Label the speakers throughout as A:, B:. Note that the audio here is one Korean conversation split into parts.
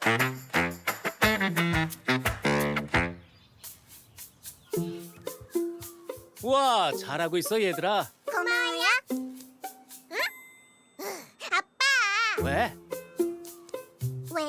A: 우와, 잘하고 있어 얘들아.
B: 고마워요. 응? 아빠.
A: 왜?
B: 왜요?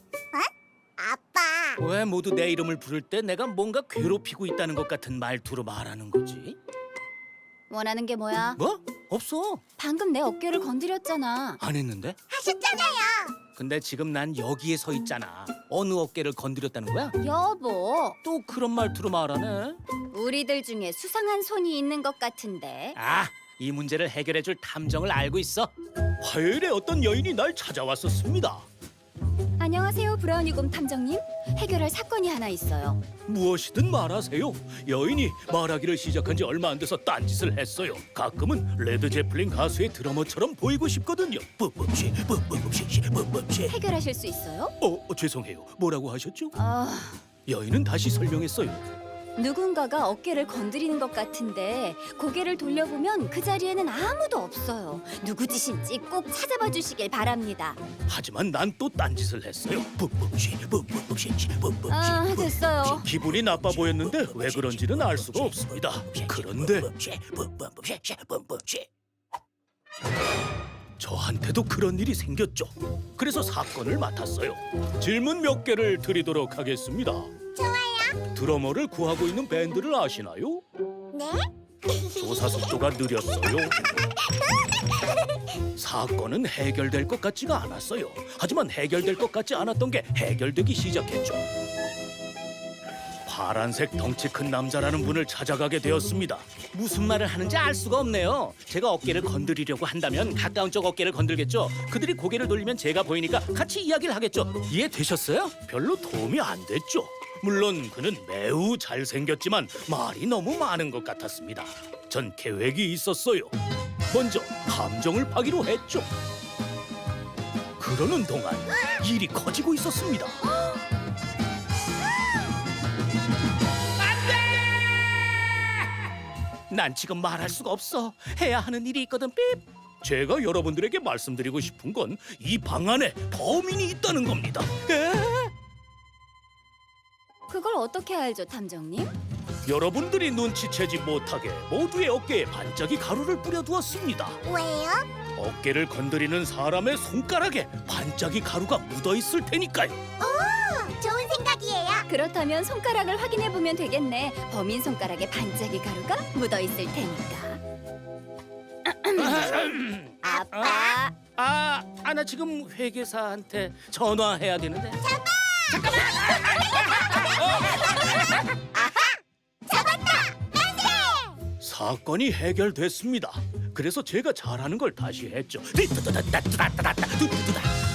B: 아빠.
A: 왜 모두 내 이름을 부를 때 내가 뭔가 괴롭히고 있다는 것 같은 말투로 말하는 거지?
C: 원하는 게 뭐야?
A: 뭐? 없어.
C: 방금 내 어깨를 건드렸잖아.
A: 안 했는데?
B: 하셨잖아요.
A: 근데 지금 난 여기에 서 있잖아. 어느 어깨를 건드렸다는 거야?
C: 여보,
A: 또 그런 말투로 말하네.
C: 우리들 중에 수상한 손이 있는 것 같은데.
A: 아, 이 문제를 해결해줄 탐정을 알고 있어. 화요일에 어떤 여인이 날 찾아왔었습니다.
C: 안녕하세요, 브라우니곰 탐정님. 해결할 사건이 하나 있어요.
A: 무엇이든 말하세요. 여인이 말하기를 시작한 지 얼마 안 돼서 딴짓을 했어요. 가끔은 레드 제플린 가수의 드러머처럼 보이고 싶거든요. 뿜뿜씨, 뿜뿜씨, 뿜뿜씨.
C: 해결하실 수 있어요?
A: 죄송해요. 뭐라고 하셨죠?
C: 아,
A: 여인은 다시 설명했어요.
C: 누군가가 어깨를 건드리는 것 같은데 고개를 돌려보면 그 자리에는 아무도 없어요. 누구 짓인지 꼭 찾아봐 주시길 바랍니다.
A: 하지만 난 또 딴짓을 했어요. 뿜뿜씨, 뿜뿜씨, 뿜뿜씨.
C: 아, 됐어요.
A: 기분이 나빠 보였는데 왜 그런지는 알 수가 없습니다. 그런데 저한테도 그런 일이 생겼죠. 그래서 사건을 맡았어요. 질문 몇 개를 드리도록 하겠습니다.
B: 좋아요.
A: 드러머를 구하고 있는 밴드를 아시나요?
B: 네?
A: 조사 속도가 느렸어요. 사건은 해결될 것 같지가 않았어요. 하지만 해결될 것 같지 않았던 게 해결되기 시작했죠. 파란색 덩치 큰 남자라는 분을 찾아가게 되었습니다. 무슨 말을 하는지 알 수가 없네요. 제가 어깨를 건드리려고 한다면 가까운 쪽 어깨를 건들겠죠. 그들이 고개를 돌리면 제가 보이니까 같이 이야기를 하겠죠. 이해되셨어요? 별로 도움이 안 됐죠. 물론 그는 매우 잘생겼지만 말이 너무 많은 것 같았습니다. 전 계획이 있었어요. 먼저 탐정을 파기로 했죠. 그러는 동안 일이 커지고 있었습니다. 난 지금 말할 수가 없어. 해야 하는 일이 있거든. 삐. 제가 여러분들에게 말씀드리고 싶은 건 이 방 안에 범인이 있다는 겁니다.
C: 그걸 어떻게 알죠, 탐정님?
A: 여러분들이 눈치채지 못하게 모두의 어깨에 반짝이 가루를 뿌려두었습니다.
B: 왜요?
A: 어깨를 건드리는 사람의 손가락에 반짝이 가루가 묻어 있을 테니까요.
B: 좋은 생각이에요.
C: 그렇다면 손가락을 확인해 보면 되겠네. 범인 손가락에 반짝이 가루가 묻어 있을 테니까. 아빠,
A: 나 지금 회계사한테 전화해야 되는데.
B: 잡았다! 만세!
A: 사건이 해결됐습니다. 그래서 제가 잘하는 걸 다시 했죠.